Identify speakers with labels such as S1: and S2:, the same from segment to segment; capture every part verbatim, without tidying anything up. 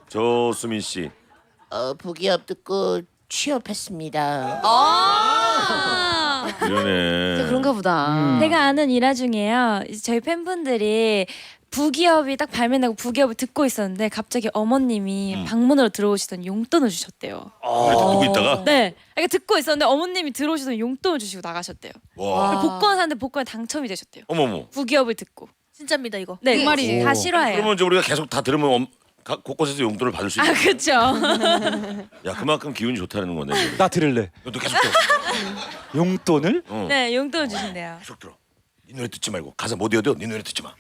S1: 조수민 씨.
S2: 어, 부기업 듣고 취업했습니다.
S3: 아
S1: 이러네.
S3: 그런가 보다.
S4: 음.
S5: 제가 아는 일화 중에요. 이제 저희 팬분들이 부기업이 딱 발매나고 부기업을 듣고 있었는데 갑자기 어머님이
S1: 음.
S5: 방문으로 들어오시더니 용돈을 주셨대요.
S1: 그래 듣고 있다가.
S5: 네, 그러니까 듣고 있었는데 어머님이 들어오시더니 용돈을 주시고 나가셨대요.
S1: 와.
S5: 그리고 복권 사는데 복권에 당첨이 되셨대요.
S1: 어머머.
S5: 부기업을 듣고.
S3: 진짜입니다 이거.
S5: 네,
S3: 그 말이.
S5: 다 실화예요.
S1: 그러면 이제 우리가 계속 다 들으면 엄, 가, 곳곳에서 용돈을 받을 수 있다.
S5: 아 그렇죠.
S1: 야 그만큼 기운이 좋다는 거네.
S4: 나 들을래.
S1: 너도 계속 들어.
S4: 용돈을?
S1: 어.
S5: 네, 용돈을 주신대요.
S1: 계속 들어. 네 노래 듣지 말고 가사 못 외워도 네 노래 듣지 마.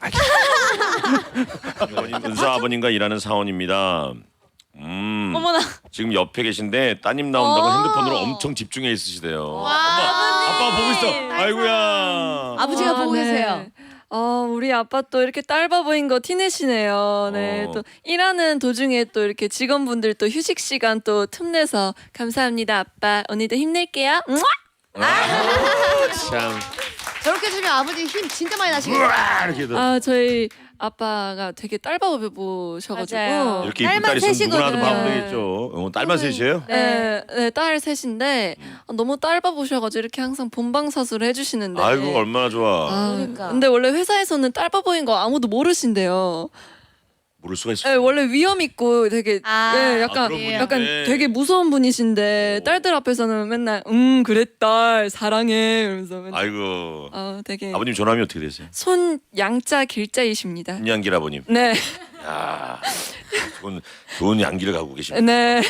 S1: 아버님, 은서 아버님과 일하는 사원입니다. 음.
S5: 어머나.
S1: 지금 옆에 계신데 따님 나온다고
S3: 어.
S1: 핸드폰으로 엄청 집중해 있으시대요. 엄마, 아빠가 보고 있어. 아이고야.
S3: 아버지가 보고
S6: 네.
S3: 계세요.
S6: 어, 우리 아빠 또 이렇게 딸바보인 거 티내시네요. 네,
S1: 어.
S6: 또 일하는 도중에 또 이렇게 직원분들 또 휴식 시간 또 틈내서 감사합니다, 아빠. 언니도 힘낼게요. 응?
S1: 참.
S3: 저렇게 해주면 아버지 힘 진짜 많이 나시겠다.
S1: 우와, 이렇게 도
S6: 아, 저희 아빠가 되게 딸바보셔가지고.
S5: 맞아요.
S1: 이렇게 이쁜
S3: 딸만
S1: 딸 있으면 누구나
S3: 셋이거든요.
S1: 봐도 되겠죠. 어, 딸만 셋이에요?
S6: 네, 네, 딸 셋인데 아, 너무 딸바보셔가지고 이렇게 항상 본방사수를 해주시는데.
S1: 아이고 얼마나 좋아.
S6: 아,
S3: 그러니까.
S6: 근데 원래 회사에서는 딸바보인 거 아무도 모르신대요.
S1: 모를 수가 있어.
S6: 네, 원래 위험 있고 되게
S3: 아,
S6: 네,
S1: 아,
S6: 약간
S1: 그런 분인데.
S6: 약간 되게 무서운 분이신데
S1: 오.
S6: 딸들 앞에서는 맨날 음 그래 딸 사랑해 이러면서 맨날
S1: 아이고.
S6: 어, 되게
S1: 아버님 전함이 어떻게 되세요?
S6: 손 양자 길자이십니다.
S1: 김양길 아버님.
S6: 네,
S1: 야, 좋은 좋은 양기를 갖고 계십니다.
S6: 네.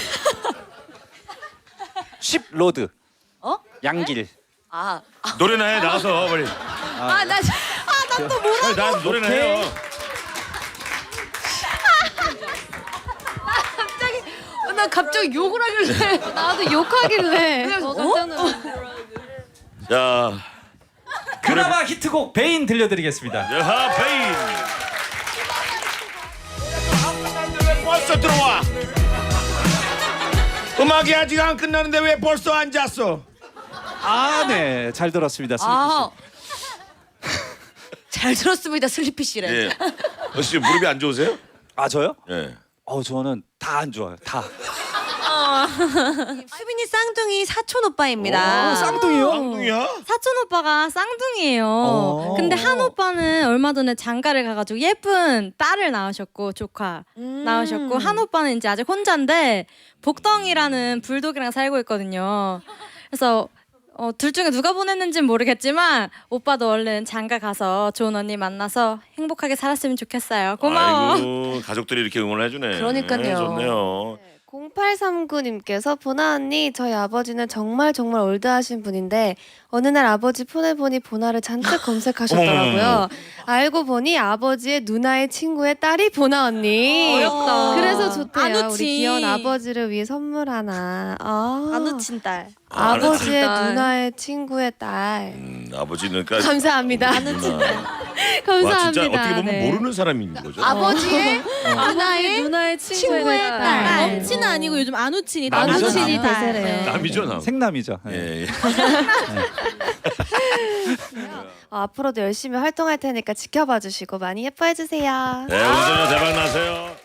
S4: 십 로드.
S3: 어?
S4: 양길.
S3: 아,
S1: 노래나 해 나가서 빨리.
S3: 아, 나,
S1: 빨리 나 노래나 해요.
S3: 어, 나 갑자기 욕을 하길래. 나도 욕하길래. 어?
S1: 자,
S7: 드라마 히트곡 베인 들려드리겠습니다.
S1: 여하 페인. 왜 벌써 들어와? 음악이 아직 안 끝나는데 왜 벌써 앉았어?
S4: 아, 네. 잘 들었습니다.
S3: 아, 잘 들었습니다, 슬리피 씨래.
S1: 예. 혹시 무릎이 안 좋으세요?
S4: 아, 저요?
S1: 예.
S4: 어, 저는 다 안 좋아요. 다.
S8: 수빈이 쌍둥이 사촌 오빠입니다.
S4: 오, 쌍둥이요?
S1: 쌍둥이야?
S8: 사촌 오빠가 쌍둥이에요.
S4: 어.
S8: 근데 한 오빠는 얼마 전에 장가를 가가지고 예쁜 딸을 낳으셨고 조카
S3: 음.
S8: 낳으셨고 한 오빠는 이제 아직 혼자인데 복덩이라는 불독이랑 살고 있거든요. 그래서 어, 둘 중에 누가 보냈는지는 모르겠지만 오빠도 얼른 장가 가서 좋은 언니 만나서 행복하게 살았으면 좋겠어요. 고마워.
S1: 아이고 가족들이 이렇게 응원을 해주네.
S3: 그러니까요.
S1: 네, 좋네요.
S9: 공팔삼구님께서 보나 언니 저희 아버지는 정말 정말 올드하신 분인데 어느 날 아버지 폰에 보니 보나를 잔뜩 검색하셨더라고요. 알고 보니 아버지의 누나의 친구의 딸이 보나 언니.
S8: 어렵다.
S9: 그래서 좋대요.
S8: 안우치.
S9: 우리 귀여운 아버지를 위해 선물 하나. 아,
S8: 안 우친 딸.
S1: 아,
S9: 아버지의
S6: 딸.
S9: 누나의 친구의 딸.
S1: 음, 아버지는 그러니까
S9: 감사합니다.
S1: 누나.
S9: 감사합니다.
S1: 와 진짜 어떻게 보면
S9: 네.
S1: 모르는 사람인 거죠.
S3: 아버지의
S6: 누나의 누나의 친구의,
S8: 친구의
S6: 딸.
S8: 딸.
S3: 엄친은 아니고 요즘 안우친이
S4: 남이죠,
S9: 안우친이
S4: 남.
S9: 대세래요.
S1: 남이죠 남.
S4: 생남이죠. 네.
S1: 예, 예.
S9: 어, 앞으로도 열심히 활동할 테니까 지켜봐 주시고 많이 예뻐해 주세요.
S1: 네, 우리 소녀 대박 나세요.